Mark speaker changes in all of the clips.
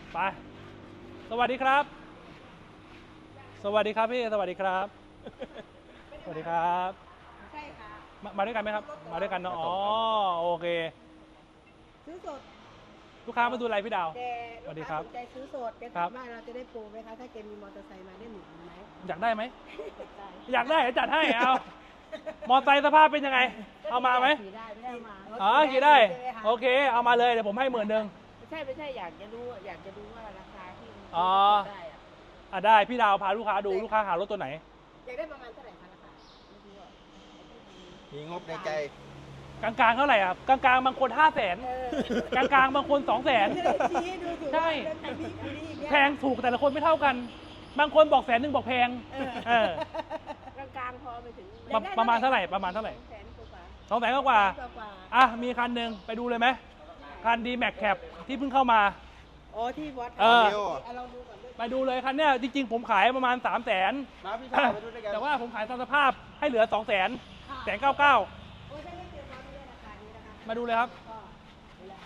Speaker 1: ไปสวัสดีครับสวัสดีครับพี่สวัสดีครับสวัสดีครับ
Speaker 2: ใช่ค่ะ
Speaker 1: มาด้วยกันไหมครับมาด้วยกันเนาะอ๋อโอเค
Speaker 2: ซื้อสด
Speaker 1: ลูกค้ามาดูอะไรพี่ดาว
Speaker 2: แต่
Speaker 1: สวัสดีค
Speaker 2: ลูกค้า
Speaker 1: รับ
Speaker 2: สนใจซื้อสดแก
Speaker 1: ครั
Speaker 2: ถา
Speaker 1: บ
Speaker 2: มว่าเราจะได้โปรไหมคะถ้าแกมีมอเตอร์ไซค์มาได้หมื่นไหม
Speaker 1: อยากได้ไหม
Speaker 2: ได้
Speaker 1: อยากได้เดี๋ยวจัดให้เอามอไซค์สภาพเป็นยังไงเอามาไหม
Speaker 2: ขี่ได้ไม่ได้มา
Speaker 1: อ๋อขี่ได้
Speaker 2: ใช่หมคะ
Speaker 1: โอเคเอามาเลยเดี๋ยวผมให้10,000
Speaker 2: ไม่ใช่อยากจะรู้ว่าราคาที่มัน
Speaker 1: อ๋อ
Speaker 2: ได้อะ
Speaker 1: ได้พี่ดาวพาลูกค้าดูลูกค้าหารถตัวไหน
Speaker 2: อยากได้ประมาณเท่าไหร่คะราคาไม่รู้อะ
Speaker 3: มีงบในใจ
Speaker 1: กลางๆเท่าไหร่ครับกลางๆบางคน500,000
Speaker 2: เออก
Speaker 1: ลางๆบางคน200,000
Speaker 2: จะได้ชี้ให้ดูถูก
Speaker 1: ใช่
Speaker 2: ว่าคันนี้อย่างเงี้ย
Speaker 1: แพงถูกแต่ละคนไม่เท่ากัน บางคนบอก100,000บอกแพง
Speaker 2: เออกลางๆพอไปถึง
Speaker 1: ประมาณเท่าไหร่ประมาณเท่าไหร่
Speaker 2: 200,000 กว่า
Speaker 1: 200,000กว่า
Speaker 2: กว่า
Speaker 1: อ่ะมีคันหนึ่งไปดูเลยไหมคันดีแม็กแคปที่เพิ่งเข้ามา
Speaker 2: อ๋อที่วัด
Speaker 1: เออ
Speaker 2: เอาลองดูก่อนด้วย
Speaker 1: ไปดูเลยคันเนี้ยจริงๆผมขายประมาณ300,000
Speaker 3: มาพี่ชายมาดูด้วยกัน
Speaker 1: แต่ว่าผมขายตามสภาพให้เหลือ200,000 199
Speaker 2: โอ้ยถ้าไม่เจอมาไม่ได้ราคานี้นะคะ
Speaker 1: มาดูเลยครับ
Speaker 2: ก็เวลา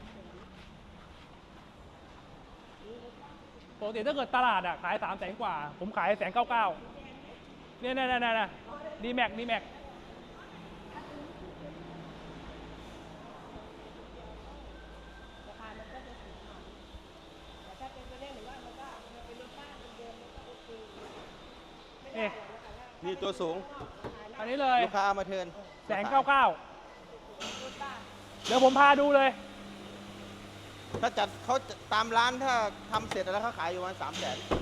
Speaker 2: 300,000
Speaker 1: ปกติถ้าเกิดตลาดอ่ะขาย300,000กว่า ผมขาย199เนี่ยดีแม็ก
Speaker 2: ราคามันก็จะสูงหน่อยแต่ถ้าเป็นตัวเล่นหรือว่ามันก็เป็นรถบ้านเดิมๆมันก็โอเคไม่ได้
Speaker 1: นี่
Speaker 2: หรอกนะคะ
Speaker 3: นี่ตัวสูง
Speaker 1: อันนี้เลย
Speaker 3: ลูกค้าเอามาเทิร์น
Speaker 1: 199
Speaker 2: รถบ้าน
Speaker 1: เดี๋ยวผมพาดูเลย
Speaker 3: ถ้าจัดเขาตามร้านถ้าทำเสร็จแล้วเขาขายอยู่ประมาณ300,000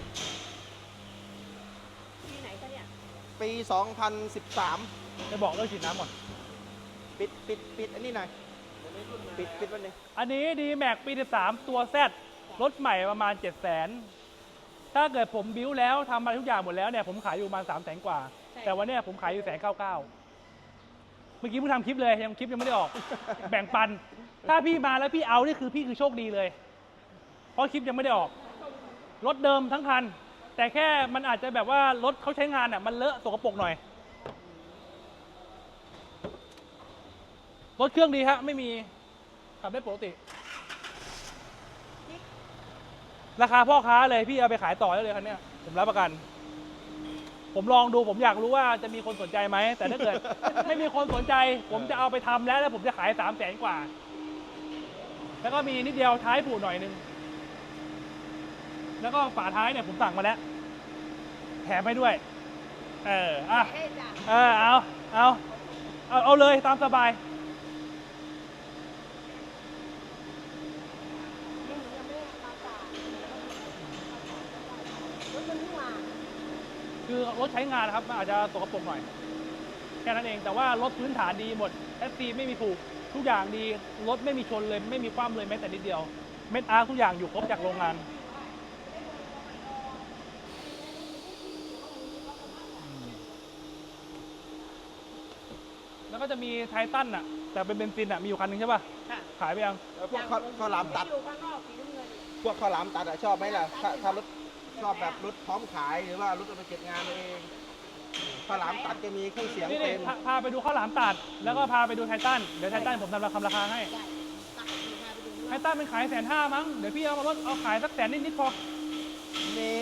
Speaker 2: ที่ไหนคะเนี่ย
Speaker 3: ปี 2013
Speaker 1: จะบอกเรื่องฉีดน้ำก่อน
Speaker 3: ปิดอันนี้หน่อยปิดวันหนึง
Speaker 1: อันนี้ดีแม็กปี13ตัว Z รถใหม่ประมาณ 700,000 ถ้าเกิดผมบิ้วแล้วทำอะไรทุกอย่างหมดแล้วเนี่ยผมขายอยู่ประมาณ300,000 กว่า แต่วันเนี้ยผมขายอยู่199เมื่อกี้เพิ่งทำคลิปเลยยังคลิปยังไม่ได้ออก แบ่งปัน ถ้าพี่มาแล้วพี่เอานี่คือพี่คือโชคดีเลย เพราะคลิปยังไม่ได้ออก รถเดิมทั้งคัน แต่แค่มันอาจจะแบบว่ารถเขาใช้งานอ่ะมันเลอะสกปรกหน่อย รถเครื่องดีฮะไม่มีขับได้ปกติ ราคาพ่อค้าเลยพี่เอาไปขายต่อได้เลยคันเนี้ยผมรับประกัน ผมลองดูผมอยากรู้ว่าจะมีคนสนใจไหมแต่ถ้าเกิด ไม่มีคนสนใจ ผมจะเอาไปทำแล้วผมจะขาย300,000 กว่า แล้วก็มีนิดเดียวท้ายผูหน่อยนึงแล้วก็ฝาท้ายเนี่ยผมสั่งมาแล้วแถมให้ด้วยอ่ะ
Speaker 2: เอ๊ะจ้ะ
Speaker 1: เอาเลยตามสบาย
Speaker 2: นี่หนูยังไม่ได้มาจ่ายรถมันเพิ่งมา
Speaker 1: คือรถใช้งานนะครับมันอาจจะสกปรกหน่อยแค่นั้นเองแต่ว่ารถพื้นฐานดีหมดแอสซีไม่มีผูกทุกอย่างดีรถไม่มีชนเลยไม่มีคว่ำเลยแม้แต่นิดเดียวเม็ดอาร์ทุกอย่างอยู่ครบจากโรงงานแล้วก็จะมีไททันอ่ะแต่เป็นเบนซินอ่ะมีอยู่คันหนึงใช่ป่ะ
Speaker 2: ค่ะ
Speaker 1: ขายไปยัง
Speaker 3: แล้วพวกข้าวหลามตัด
Speaker 2: อยู่ข้างนอกสีน้ำเงิน
Speaker 3: พวกข้าวหลามตัดอะชอบไหมล่ะถ้ารถชอบแบบรถพร้อมขายหรือว่ารถเอาไปเก็บงานเองข้าวหลามตัดจะมีเครื่องเสียง
Speaker 1: นี่
Speaker 3: เต็ม
Speaker 1: พาไปดูข้าวหลามตัดแล้วก็พาไปดูไททันเดี๋ยวไททันผมทำราคาให้
Speaker 2: ได้ตักอยู่พาไปดู
Speaker 1: ไททันเป็นขาย150,000มั้งเดี๋ยวพี่เอามารถเอาขายสัก100,000นิดพอ
Speaker 3: นี่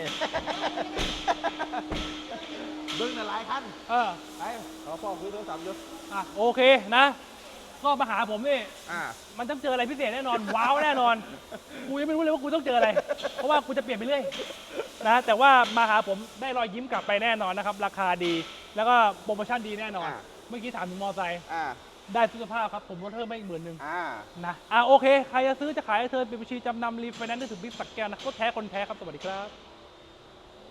Speaker 3: เบิ้งหลายคัน ไปขอพ่อคุยโทรศัพท์อยู่
Speaker 1: โอเคนะก็มาหาผมนี่
Speaker 3: อ่า
Speaker 1: มันต้องเจออะไรพิเศษแน่นอน ว้าวแน่นอนกูยังไม่รู้เลยว่ากูต้องเจออะไร เพราะว่ากูจะเปลี่ยนไปเรื่อยนะแต่ว่ามาหาผมได้รอยยิ้มกลับไปแน่นอนนะครับราคาดี แล้วก็โปรโมชั่นดีแน่นอน เมื่อกี้ถามถึงมอไซค์
Speaker 3: อ่า
Speaker 1: ได้สุขภาพครับผมลดเพิ่มไปอีก10,000นะโอเคใครจะซื้อจะขายเธอเป็นบัญชีจำนำรีไฟแนนซ์ได้ถึงบิ๊กสักแก้วนะก็แท้คนแท้ครับสวัสดีครับ